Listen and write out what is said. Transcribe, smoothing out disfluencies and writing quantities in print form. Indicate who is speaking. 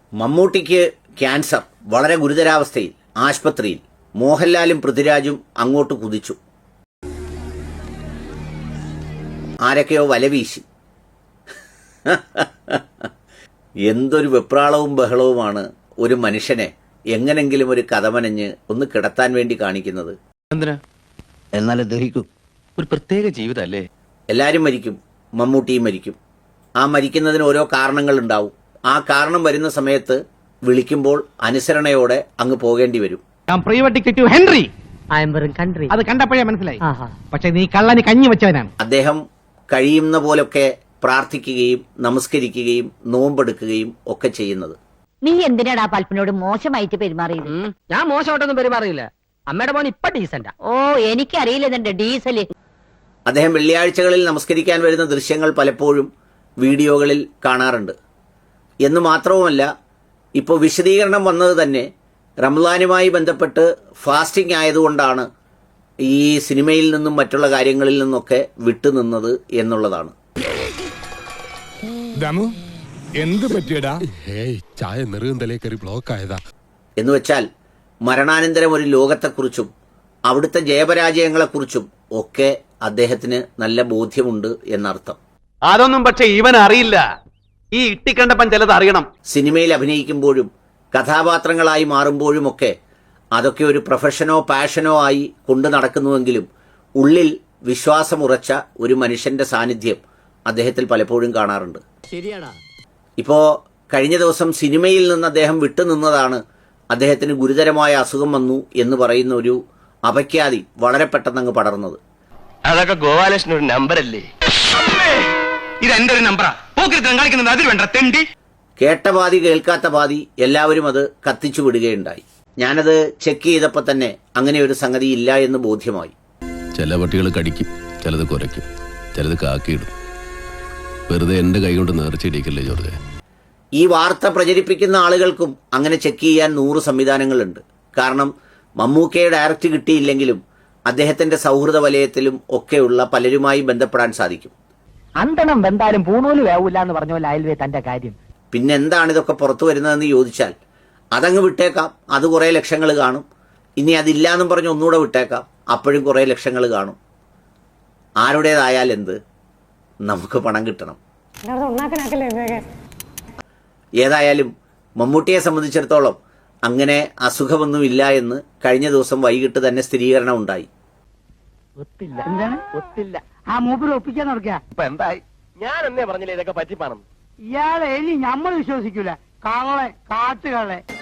Speaker 1: മമ്മൂട്ടിക്ക് ക്യാൻസർ, വളരെ ഗുരുതരാവസ്ഥയിൽ ആശുപത്രിയിൽ. മോഹൻലാലും പൃഥ്വിരാജും അങ്ങോട്ട് കുതിച്ചു. ആരൊക്കെയോ വലവീശി. എന്തൊരു വെപ്രാളവും ബഹളവുമാണ് ഒരു മനുഷ്യനെ എങ്ങനെങ്കിലും ഒരു കഥമനഞ്ഞ് ഒന്ന് കിടത്താൻ വേണ്ടി കാണിക്കുന്നത്.
Speaker 2: എന്നാലും ദഹിക്കൂ. ഒരു പ്രത്യേക ജീവിതമല്ലേ.
Speaker 1: എല്ലാവരും മരിക്കും, മമ്മൂട്ടിയും മരിക്കും. ആ മരിക്കുന്നതിന് ഓരോ കാരണങ്ങളുണ്ടാവും. ആ കാരണം വരുന്ന സമയത്ത് വിളിക്കുമ്പോൾ അനുസരണയോടെ അങ്ങ് പോകേണ്ടി വരും.
Speaker 3: ഹെൻറി അത് കണ്ടപ്പോഴേ മനസ്സിലായി. പക്ഷെ നീ കള്ളന് കഞ്ഞി വെച്ചവനാണ്.
Speaker 1: അദ്ദേഹം കഴിയുന്ന പോലൊക്കെ പ്രാർത്ഥിക്കുകയും നമസ്കരിക്കുകയും നോമ്പെടുക്കുകയും ഒക്കെ ചെയ്യുന്നത്.
Speaker 4: നീ എന്തിനാടാ പൽപ്പിനോട് മോശമായിട്ട് പെരുമാറിയത്?
Speaker 5: ഞാൻ മോശമായിട്ടൊന്നും പെരുമാറിയില്ല. അമ്മയുടെ മോൻ ഇപ്പൊ ഡീസന്റാ.
Speaker 4: ഓ, എനിക്കറിയില്ല നിന്റെ ഡീസല്.
Speaker 1: അദ്ദേഹം വെള്ളിയാഴ്ചകളിൽ നമസ്കരിക്കാൻ വരുന്ന ദൃശ്യങ്ങൾ പലപ്പോഴും വീഡിയോകളിൽ കാണാറുണ്ട്. എന്ന് മാത്രവുമല്ല, ഇപ്പോൾ വിശദീകരണം വന്നത് തന്നെ റംസാനുമായി ബന്ധപ്പെട്ട് ഫാസ്റ്റിംഗ് ആയതുകൊണ്ടാണ് ഈ സിനിമയിൽ നിന്നും മറ്റുള്ള കാര്യങ്ങളിൽ നിന്നൊക്കെ വിട്ടുനിന്നത് എന്നുള്ളതാണ്.
Speaker 6: എന്ത് പറ്റിയടാ?
Speaker 7: ചായ നെറുകന്തലേ കയറി ബ്ലോക്ക് ആയതാ.
Speaker 1: എന്ന് വെച്ചാൽ മരണാനന്തരം ഒരു ലോകത്തെക്കുറിച്ചും അവിടുത്തെ ജയപരാജയങ്ങളെക്കുറിച്ചും ഒക്കെ അദ്ദേഹത്തിന് നല്ല ബോധ്യമുണ്ട് എന്നർത്ഥം.
Speaker 2: അതൊന്നും പക്ഷെ ഇവൻ അറിയില്ല. ഈ ഇട്ടിക്കണ്ടപ്പൻ ചിലത് അറിയണം.
Speaker 1: സിനിമയിൽ അഭിനയിക്കുമ്പോഴും കഥാപാത്രങ്ങളായി മാറുമ്പോഴുമൊക്കെ അതൊക്കെ ഒരു പ്രൊഫഷനോ പാഷനോ ആയി കൊണ്ടു നടക്കുന്നുവെങ്കിലും ഉള്ളിൽ വിശ്വാസമുറച്ച ഒരു മനുഷ്യന്റെ സാന്നിധ്യം അദ്ദേഹത്തിൽ പലപ്പോഴും കാണാറുണ്ട്.
Speaker 5: ശരിയാടാ.
Speaker 1: ഇപ്പോ കഴിഞ്ഞ ദിവസം സിനിമയിൽ നിന്ന് അദ്ദേഹം വിട്ടുനിന്നതാണ് അദ്ദേഹത്തിന് ഗുരുതരമായ അസുഖം വന്നു എന്ന് പറയുന്ന ഒരു അപഖ്യാതി വളരെ പെട്ടെന്ന് അങ്ങ് പടർന്നത്.
Speaker 2: അതൊക്കെ ഗോപാലകൃഷ്ണൻ ഒരു നമ്പറല്ലേ? ഇത് എന്റെ ഒരു നമ്പറാ. കാണിക്കുന്നത് അതിൽ വേണ്ട തെണ്ടി.
Speaker 1: കേട്ട പാതി കേൾക്കാത്ത പാതി എല്ലാവരും അത് കത്തിച്ചു വിടുകയുണ്ടായി. ഞാനത് ചെക്ക് ചെയ്തപ്പോൾ തന്നെ അങ്ങനെ ഒരു സംഗതി ഇല്ല എന്ന് ബോധ്യമായി.
Speaker 7: ചില പട്ടികൾ കടിക്കും, ചിലത് കുരയ്ക്കും, ചിലത് കാക്കിയിടും. വെറുതെ എന്റെ കൈ കൊണ്ട് നേർച്ചയിടിക്കല്ലേ ജോർജ്.
Speaker 1: ഈ വാർത്ത പ്രചരിപ്പിക്കുന്ന ആളുകൾക്കും അങ്ങനെ ചെക്ക് ചെയ്യാൻ 100 സംവിധാനങ്ങളുണ്ട്. കാരണം മമ്മൂക്കയെ ഡയറക്റ്റ് കിട്ടിയില്ലെങ്കിലും അദ്ദേഹത്തിന്റെ സൗഹൃദ വലയത്തിലും ഒക്കെയുള്ള പലരുമായി ബന്ധപ്പെടാൻ സാധിക്കും.
Speaker 5: അന്തണം വെന്താലും പൂണൂല് വേവൂല എന്ന് പറഞ്ഞ പോലെ അയൽവേ തന്റെ കാര്യം.
Speaker 1: പിന്നെ എന്താണ് ഇതൊക്കെ പുറത്തു വരുന്നതെന്ന് ചോദിച്ചാൽ അതങ്ങ് വിട്ടേക്കാം, അത് കുറേ ലക്ഷങ്ങൾ കാണും. ഇനി അതില്ലാന്നും പറഞ്ഞ് ഒന്നുകൂടെ വിട്ടേക്കാം, അപ്പോഴും കുറേ ലക്ഷങ്ങൾ കാണും. ആരുടേതായാൽ എന്ത്, നമുക്ക് പണം കിട്ടണം. ഏതായാലും മമ്മൂട്ടിയെ സംബന്ധിച്ചിടത്തോളം അങ്ങനെ അസുഖമൊന്നുമില്ല എന്ന് കഴിഞ്ഞ ദിവസം വൈകിട്ട് തന്നെ സ്ഥിരീകരണം ഉണ്ടായി.
Speaker 3: ഒത്തില്ല. ആ മൂപ്പര് ഒപ്പിക്കാൻ നടക്കുക.
Speaker 2: ഇപ്പൊ എന്തായി? ഞാൻ എന്നേ പറഞ്ഞില്ലേ ഇതൊക്കെ പറ്റിപ്പാണെന്ന്.
Speaker 3: ഇയാളെ ഇനി നമ്മൾ വിശ്വസിക്കൂല. കള്ളെ, കാട്ടുകള്ളെ.